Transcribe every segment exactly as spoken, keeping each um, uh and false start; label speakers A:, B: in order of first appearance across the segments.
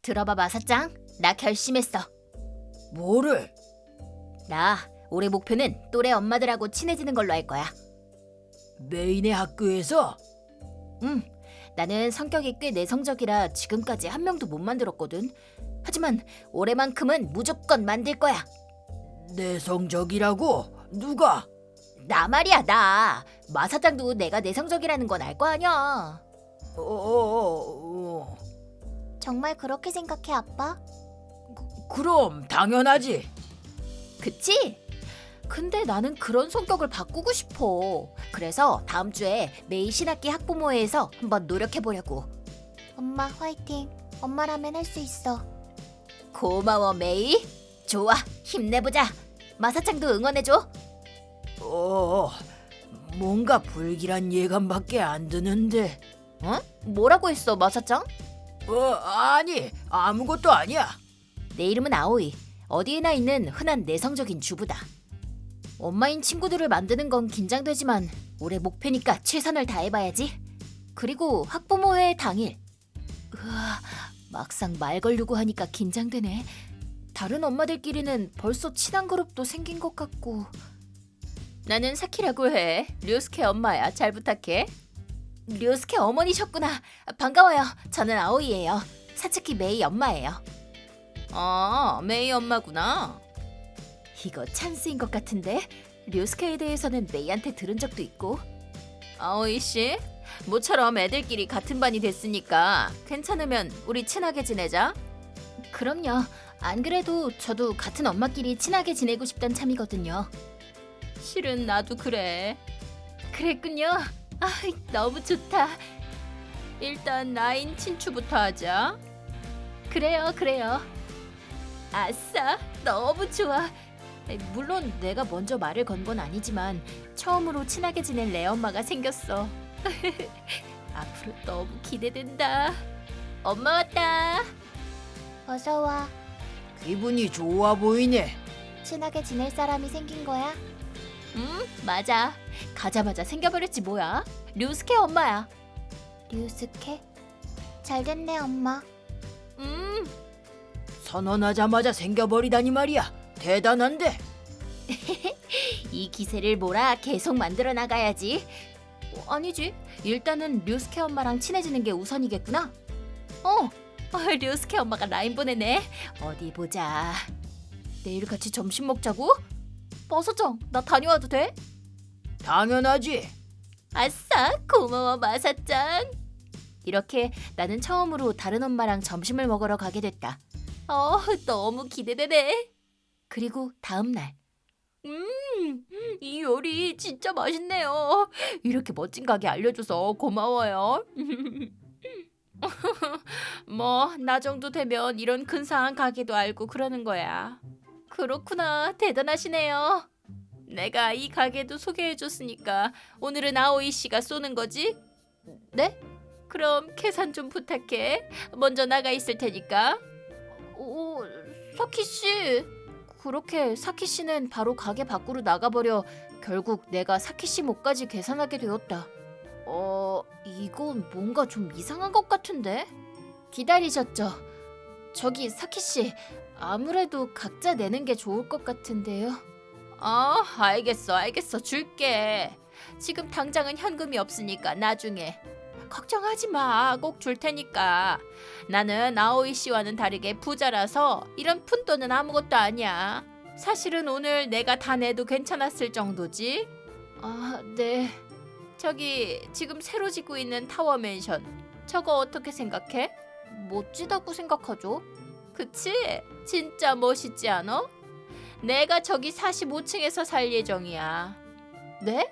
A: 들어봐 마사짱, 나 결심했어.
B: 뭐를?
A: 나 올해 목표는 또래 엄마들하고 친해지는 걸로 할 거야.
B: 메인의 학교에서?
A: 응, 나는 성격이 꽤 내성적이라 지금까지 한 명도 못 만들었거든. 하지만 올해만큼은 무조건 만들 거야.
B: 내성적이라고? 누가?
A: 나 말이야, 나. 마사짱도 내가 내성적이라는 건 알 거 아니야.
B: 어, 어, 어.
A: 정말 그렇게 생각해, 아빠?
B: 그럼 당연하지.
A: 그치? 근데 나는 그런 성격을 바꾸고 싶어. 그래서 다음 주에 매일 신학기 학부모회에서 한번 노력해보려고. 엄마 화이팅. 엄마라면 할 수 있어. 고마워 메이. 좋아, 힘내보자. 마사짱도 응원해줘.
B: 어, 뭔가 불길한 예감밖에 안 드는데.
A: 어? 뭐라고 했어 마사짱?
B: 어, 아니 아무것도 아니야.
A: 내 이름은 아오이. 어디에나 있는 흔한 내성적인 주부다. 엄마인 친구들을 만드는 건 긴장되지만 올해 목표니까 최선을 다해봐야지. 그리고 학부모회 당일. 으아, 막상 말 걸려고 하니까 긴장되네. 다른 엄마들끼리는 벌써 친한 그룹도 생긴 것 같고. 나는 사키라고 해. 류스케 엄마야. 잘 부탁해. 류스케 어머니셨구나. 반가워요. 저는 아오이예요. 사츠키 메이 엄마예요. 아, 메이 엄마구나. 이거 찬스인 것 같은데. 류스케에 대해서는 메이한테 들은 적도 있고. 아오이 씨, 모처럼 애들끼리 같은 반이 됐으니까 괜찮으면 우리 친하게 지내자. 그럼요. 안 그래도 저도 같은 엄마끼리 친하게 지내고 싶단 참이거든요. 실은 나도 그래. 그랬군요. 아, 너무 좋다. 일단 라인 친추부터 하자. 그래요, 그래요. 아싸, 너무 좋아. 물론 내가 먼저 말을 건 건 아니지만 처음으로 친하게 지낸 레엄마가 생겼어. 앞으로 너무 기대된다. 엄마 왔다. 어서 와.
B: 기분이 좋아 보이네.
A: 친하게 지낼 사람이 생긴 거야? 응, 맞아. 가자마자 생겨버렸지 뭐야. 류스케 엄마야. 류스케? 잘됐네 엄마. 음.
B: 선언하자마자 생겨버리다니 말이야. 대단한데.
A: 이 기세를 몰아 계속 만들어 나가야지. 어, 아니지. 일단은 류스케 엄마랑 친해지는 게 우선이겠구나. 어, 어, 류스케 엄마가 라인 보내네. 어디 보자. 내일 같이 점심 먹자고? 마사짱, 나 다녀와도 돼?
B: 당연하지.
A: 아싸, 고마워 마사짱. 이렇게 나는 처음으로 다른 엄마랑 점심을 먹으러 가게 됐다. 어, 너무 기대되네. 그리고 다음 날. 음, 이 요리 진짜 맛있네요. 이렇게 멋진 가게 알려줘서 고마워요. 뭐, 나 정도 되면 이런 근사한 가게도 알고 그러는 거야. 그렇구나, 대단하시네요. 내가 이 가게도 소개해줬으니까 오늘은 아오이 씨가 쏘는 거지? 네? 그럼 계산 좀 부탁해. 먼저 나가 있을 테니까. 오, 사키 씨. 그렇게 사키 씨는 바로 가게 밖으로 나가버려 결국 내가 사키 씨 몫까지 계산하게 되었다. 어, 이건 뭔가 좀 이상한 것 같은데? 기다리셨죠? 저기 사키 씨, 아무래도 각자 내는 게 좋을 것 같은데요. 아, 알겠어, 알겠어, 줄게. 지금 당장은 현금이 없으니까 나중에. 걱정하지 마, 꼭 줄 테니까. 나는 아오이 씨와는 다르게 부자라서 이런 푼돈은 아무것도 아니야. 사실은 오늘 내가 다 내도 괜찮았을 정도지. 아, 네. 저기 지금 새로 짓고 있는 타워 맨션, 저거 어떻게 생각해? 멋지다고 생각하죠. 그치? 진짜 멋있지 않아? 내가 저기 사십오 층에서 살 예정이야. 네?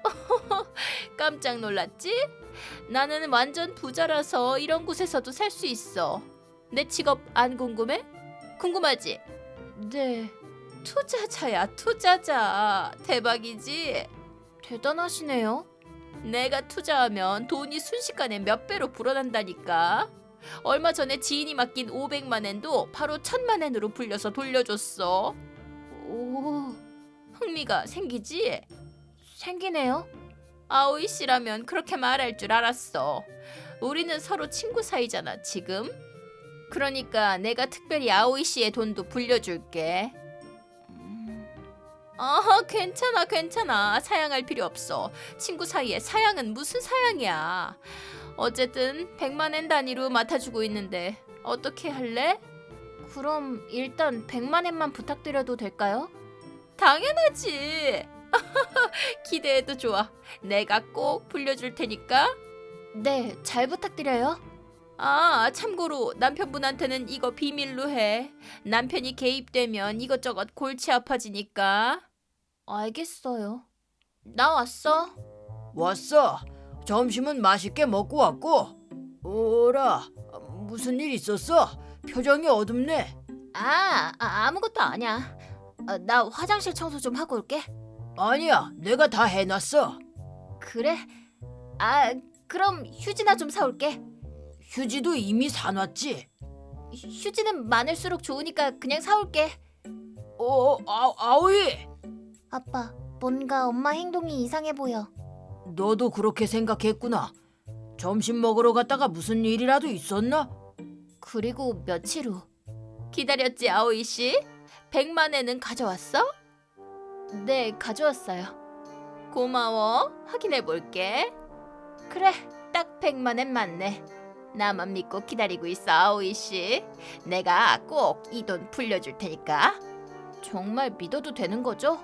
A: 깜짝 놀랐지? 나는 완전 부자라서 이런 곳에서도 살 수 있어. 내 직업 안 궁금해? 궁금하지? 네. 투자자야, 투자자. 대박이지? 대단하시네요. 내가 투자하면 돈이 순식간에 몇 배로 불어난다니까. 얼마 전에 지인이 맡긴 오백만 엔도 바로 천만 엔으로 불려서 돌려줬어. 오, 흥미가 생기지? 생기네요. 아오이 씨라면 그렇게 말할 줄 알았어. 우리는 서로 친구 사이잖아, 지금. 그러니까 내가 특별히 아오이 씨의 돈도 불려줄게. 음. 아, 괜찮아, 괜찮아. 사양할 필요 없어. 친구 사이에 사양은 무슨 사양이야. 어쨌든 백만 엔 단위로 맡아주고 있는데 어떻게 할래? 그럼 일단 백만 엔만 부탁드려도 될까요? 당연하지. 기대해도 좋아. 내가 꼭 불려줄 테니까. 네, 잘 부탁드려요. 아, 참고로 남편분한테는 이거 비밀로 해. 남편이 개입되면 이것저것 골치 아파지니까. 알겠어요. 나 왔어.
B: 왔어. 점심은 맛있게 먹고 왔고. 오라, 무슨 일 있었어? 표정이 어둡네.
A: 아, 아 아무것도 아니야. 아, 나 화장실 청소 좀 하고 올게.
B: 아니야, 내가 다 해놨어.
A: 그래? 아, 그럼 휴지나 좀 사올게.
B: 휴지도 이미 사놨지.
A: 휴지는 많을수록 좋으니까 그냥 사올게.
B: 어, 아, 아오이.
A: 아빠, 뭔가 엄마 행동이 이상해 보여.
B: 너도 그렇게 생각했구나. 점심 먹으러 갔다가 무슨 일이라도 있었나?
A: 그리고 며칠 후. 기다렸지, 아오이 씨? 백만 엔은 가져왔어? 네, 가져왔어요. 고마워. 확인해 볼게. 그래, 딱 백만 엔 맞네. 나만 믿고 기다리고 있어, 아오이 씨. 내가 꼭 이 돈 불려줄 테니까. 정말 믿어도 되는 거죠?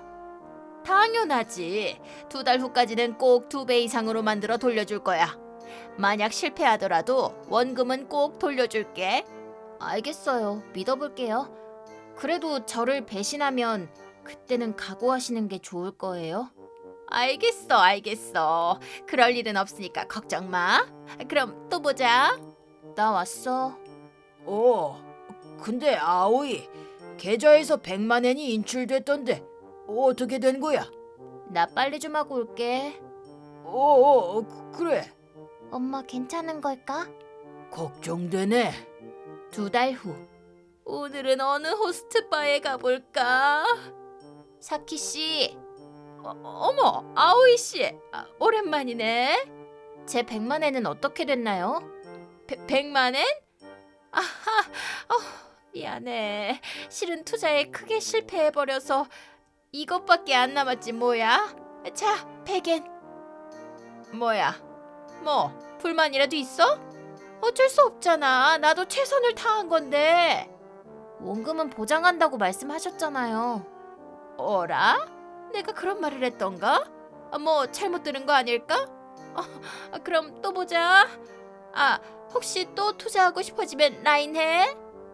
A: 당연하지. 두 달 후까지는 꼭 두 배 이상으로 만들어 돌려줄 거야. 만약 실패하더라도 원금은 꼭 돌려줄게. 알겠어요. 믿어볼게요. 그래도 저를 배신하면 그때는 각오하시는 게 좋을 거예요. 알겠어, 알겠어. 그럴 일은 없으니까 걱정 마. 그럼 또 보자. 나 왔어.
B: 어, 근데 아오이, 계좌에서 백만 엔이 인출됐던데 어떻게 된 거야?
A: 나 빨리 좀 하고 올게.
B: 어, 어, 그래.
A: 엄마 괜찮은 걸까?
B: 걱정되네.
A: 두 달 후. 오늘은 어느 호스트바에 가볼까? 사키 씨. 어, 어머, 아오이 씨. 아, 오랜만이네. 제 백만 엔은 어떻게 됐나요? 배, 백만 엔? 아하, 어, 미안해. 실은 투자에 크게 실패해버려서 이것밖에 안 남았지 뭐야. 자, 백 엔. 뭐야? 뭐, 불만이라도 있어? 어쩔 수 없잖아. 나도 최선을 다한 건데. 원금은 보장한다고 말씀하셨잖아요. 어라? 내가 그런 말을 했던가? 아, 뭐 잘못 들은 거 아닐까? 어, 아, 그럼 또 보자. 아, 혹시 또 투자하고 싶어지면 라인해.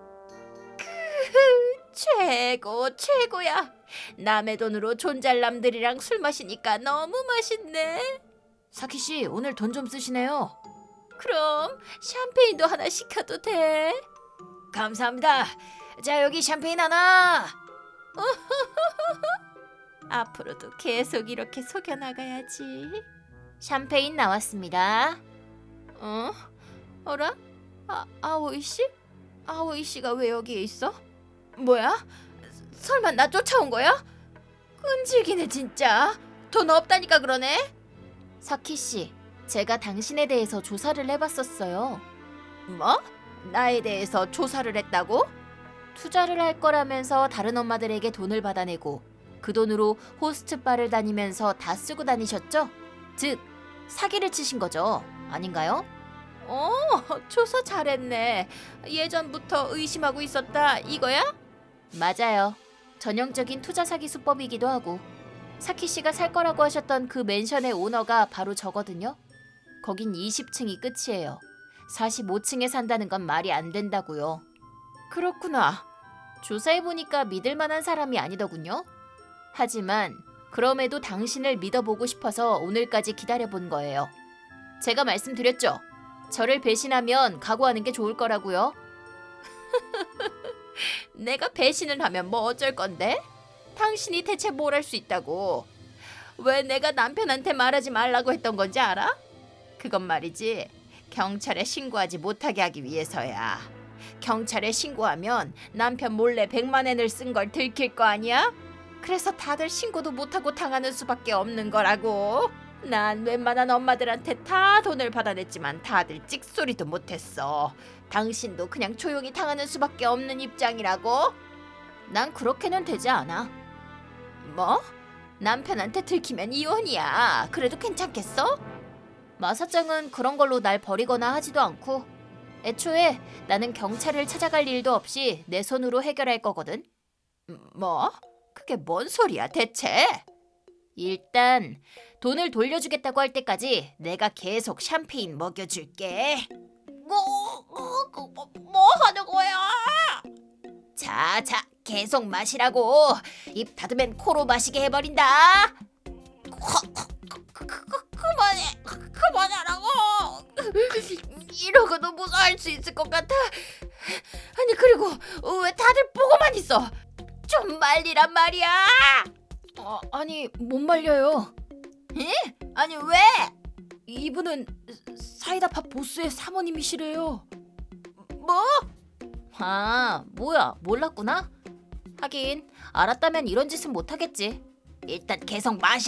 A: 크, 최고 최고야. 남의 돈으로 존잘남들이랑 술 마시니까 너무 맛있네.
B: 사키 씨, 오늘 돈 좀 쓰시네요.
A: 그럼 샴페인도 하나 시켜도 돼?
B: 감사합니다. 자, 여기 샴페인 하나.
A: 앞으로도 계속 이렇게 속여나가야지. 샴페인 나왔습니다. 어? 어라? 아, 아오이 씨? 아오이 씨가 왜 여기에 있어? 뭐야? 설마 나 쫓아온 거야? 끈질기네 진짜. 돈 없다니까 그러네. 사키 씨, 제가 당신에 대해서 조사를 해봤었어요. 뭐? 나에 대해서 조사를 했다고? 투자를 할 거라면서 다른 엄마들에게 돈을 받아내고 그 돈으로 호스트바를 다니면서 다 쓰고 다니셨죠? 즉, 사기를 치신 거죠. 아닌가요? 어, 조사 잘했네. 예전부터 의심하고 있었다 이거야? 맞아요. 전형적인 투자 사기 수법이기도 하고 사키 씨가 살 거라고 하셨던 그 맨션의 오너가 바로 저거든요. 거긴 이십 층이 끝이에요. 사십오 층에 산다는 건 말이 안 된다고요. 그렇구나. 조사해보니까 믿을 만한 사람이 아니더군요. 하지만 그럼에도 당신을 믿어보고 싶어서 오늘까지 기다려본 거예요. 제가 말씀드렸죠. 저를 배신하면 각오하는 게 좋을 거라고요. 내가 배신을 하면 뭐 어쩔 건데? 당신이 대체 뭘 할 수 있다고? 왜 내가 남편한테 말하지 말라고 했던 건지 알아? 그건 말이지. 경찰에 신고하지 못하게 하기 위해서야. 경찰에 신고하면 남편 몰래 백만 엔을 쓴 걸 들킬 거 아니야? 그래서 다들 신고도 못하고 당하는 수밖에 없는 거라고. 난 웬만한 엄마들한테 다 돈을 받아냈지만 다들 찍소리도 못했어. 당신도 그냥 조용히 당하는 수밖에 없는 입장이라고? 난 그렇게는 되지 않아. 뭐? 남편한테 들키면 이혼이야. 그래도 괜찮겠어? 마사짱은 그런 걸로 날 버리거나 하지도 않고 애초에 나는 경찰을 찾아갈 일도 없이 내 손으로 해결할 거거든. 뭐? 그게 뭔 소리야 대체? 일단 돈을 돌려주겠다고 할 때까지 내가 계속 샴페인 먹여줄게. 뭐, 뭐, 뭐, 뭐 하는 거야? 자, 자, 계속 마시라고. 입 닫으면 코로 마시게 해버린다. 그, 그, 그, 그만해, 그만하라고. 이러고도 무사할 수 있을 것 같아. 아니 그리고 왜 다들 보고만 있어? 좀 말리란 말이야. 어, 아니 못 말려요. 에? 아니 왜? 이분은 사이다팝 보스의 사모님이시래요. 뭐? 아 뭐야 몰랐구나. 하긴 알았다면 이런 짓은 못하겠지. 일단 계속 마셔.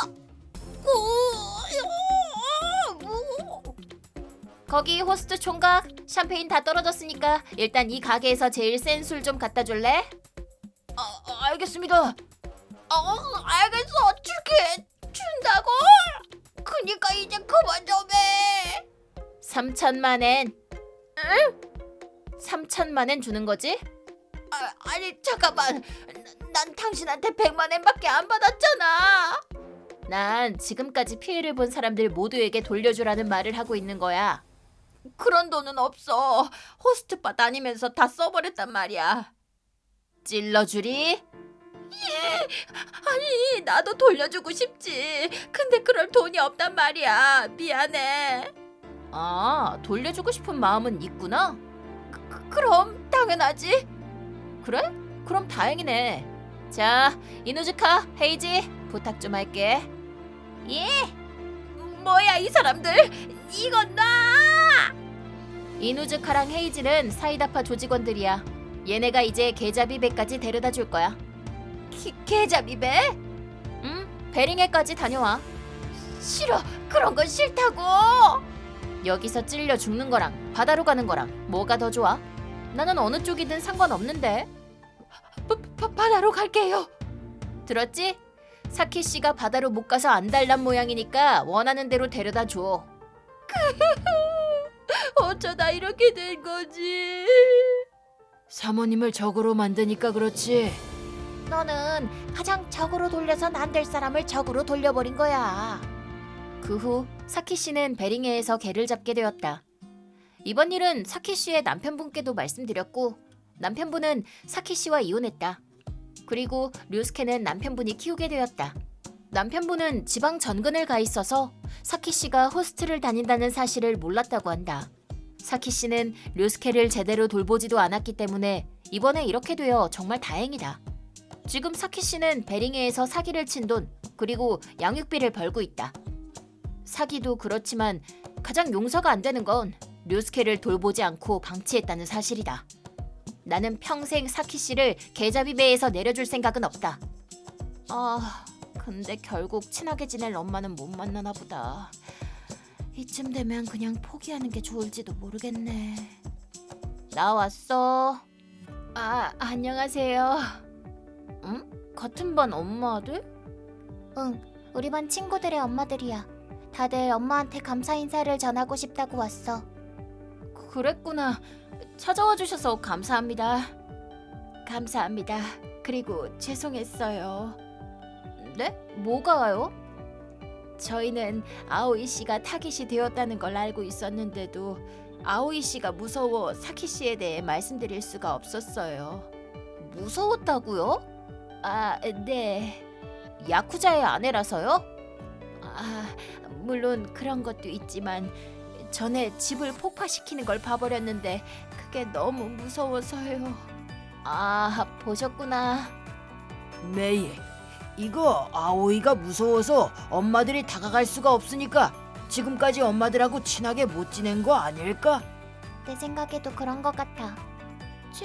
A: 거기 호스트 총각 샴페인 다 떨어졌으니까 일단 이 가게에서 제일 센 술 좀 갖다 줄래? 아, 알겠습니다. 어, 알겠어. 줄게. 준다고? 그니까 이제 그만 좀 해. 삼천만 엔. 응? 삼천만 엔 주는 거지? 아, 아니 잠깐만. 난, 난 당신한테 백만 엔밖에 안 받았잖아. 난 지금까지 피해를 본 사람들 모두에게 돌려주라는 말을 하고 있는 거야. 그런 돈은 없어. 호스트바 다니면서 다 써버렸단 말이야. 찔러주리? 예. 아니 나도 돌려주고 싶지. 근데 그럴 돈이 없단 말이야. 미안해. 아 돌려주고 싶은 마음은 있구나. 그, 그, 그럼 당연하지. 그래? 그럼 다행이네. 자 이누즈카 헤이지 부탁 좀 할게. 예? 뭐야 이 사람들. 이건 나. 이누즈카랑 헤이지는 사이다파 조직원들이야. 얘네가 이제 계자비배까지 데려다 줄 거야. 게, 계자비배? 응, 베링해까지 다녀와. 싫어, 그런 건 싫다고. 여기서 찔려 죽는 거랑 바다로 가는 거랑 뭐가 더 좋아? 나는 어느 쪽이든 상관없는데. 바, 바, 바다로 갈게요. 들었지? 사키 씨가 바다로 못 가서 안달난 모양이니까 원하는 대로 데려다 줘. 어쩌다 이렇게 된 거지?
B: 사모님을 적으로 만드니까 그렇지.
A: 너는 가장 적으로 돌려선 안 될 사람을 적으로 돌려버린 거야. 그 후 사키 씨는 베링해에서 개를 잡게 되었다. 이번 일은 사키 씨의 남편분께도 말씀드렸고 남편분은 사키 씨와 이혼했다. 그리고 류스케는 남편분이 키우게 되었다. 남편분은 지방 전근을 가 있어서 사키 씨가 호스트를 다닌다는 사실을 몰랐다고 한다. 사키 씨는 류스케를 제대로 돌보지도 않았기 때문에 이번에 이렇게 되어 정말 다행이다. 지금 사키 씨는 베링해에서 사기를 친 돈 그리고 양육비를 벌고 있다. 사기도 그렇지만 가장 용서가 안 되는 건 류스케를 돌보지 않고 방치했다는 사실이다. 나는 평생 사키 씨를 계좌비배에서 내려줄 생각은 없다. 아, 근데 결국 친하게 지낼 엄마는 못 만나나 보다. 이쯤 되면 그냥 포기하는 게 좋을지도 모르겠네. 나 왔어. 아, 안녕하세요. 응? 같은 반 엄마들? 응, 우리 반 친구들의 엄마들이야. 다들 엄마한테 감사 인사를 전하고 싶다고 왔어. 그랬구나. 찾아와 주셔서 감사합니다. 감사합니다. 그리고 죄송했어요. 네? 뭐가요? 저희는 아오이 씨가 타깃이 되었다는 걸 알고 있었는데도 아오이 씨가 무서워 사키 씨에 대해 말씀드릴 수가 없었어요. 무서웠다고요? 아, 네. 야쿠자의 아내라서요? 아, 물론 그런 것도 있지만 전에 집을 폭파시키는 걸 봐버렸는데 그게 너무 무서워서요. 아, 보셨구나.
B: 메이, 이거 아오이가 무서워서 엄마들이 다가갈 수가 없으니까 지금까지 엄마들하고 친하게 못 지낸 거 아닐까?
A: 내 생각에도 그런 것 같아.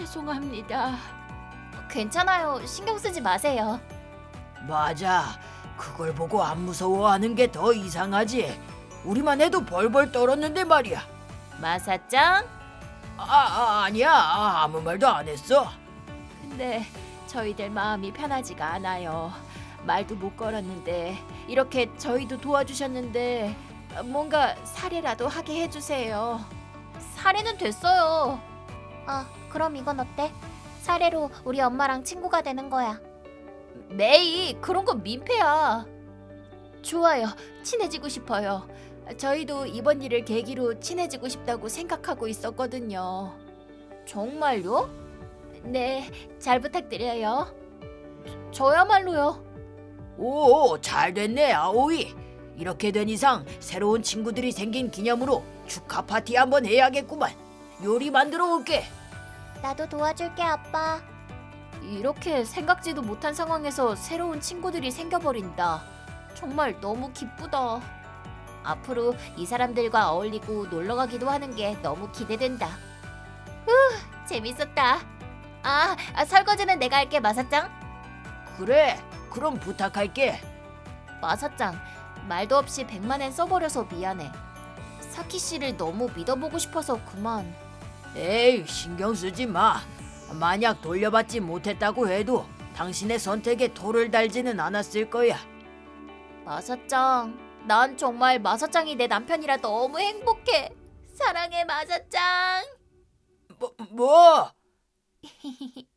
A: 죄송합니다. 괜찮아요. 신경 쓰지 마세요.
B: 맞아. 그걸 보고 안 무서워하는 게 더 이상하지. 우리만 해도 벌벌 떨었는데 말이야.
A: 마사짱?
B: 아, 아 아니야. 아, 아무 말도 안 했어.
A: 근데 저희들 마음이 편하지가 않아요. 말도 못 걸었는데 이렇게 저희도 도와주셨는데 뭔가 사례라도 하게 해주세요. 사례는 됐어요.
C: 아, 그럼 이건 어때? 사례로 우리 엄마랑 친구가 되는 거야.
A: 메이, 그런 건 민폐야. 좋아요. 친해지고 싶어요. 저희도 이번 일을 계기로 친해지고 싶다고 생각하고 있었거든요. 정말요? 네, 잘 부탁드려요. 저야말로요.
B: 오, 잘 됐네, 아오이. 이렇게 된 이상 새로운 친구들이 생긴 기념으로 축하 파티 한번 해야겠구만. 요리 만들어 올게.
C: 나도 도와줄게, 아빠.
A: 이렇게 생각지도 못한 상황에서 새로운 친구들이 생겨버린다. 정말 너무 기쁘다. 앞으로 이 사람들과 어울리고 놀러 가기도 하는 게 너무 기대된다. 후, 재밌었다. 아, 아, 설거지는 내가 할게, 마사짱.
B: 그래, 그럼 부탁할게.
A: 마사짱, 말도 없이 백만엔 써버려서 미안해. 사키 씨를 너무 믿어보고 싶어서 그만.
B: 에이, 신경 쓰지 마. 만약 돌려받지 못했다고 해도 당신의 선택에 돌을 달지는 않았을 거야.
A: 마사짱, 난 정말 마사짱이 내 남편이라 너무 행복해. 사랑해, 마사짱.
B: 뭐, 뭐?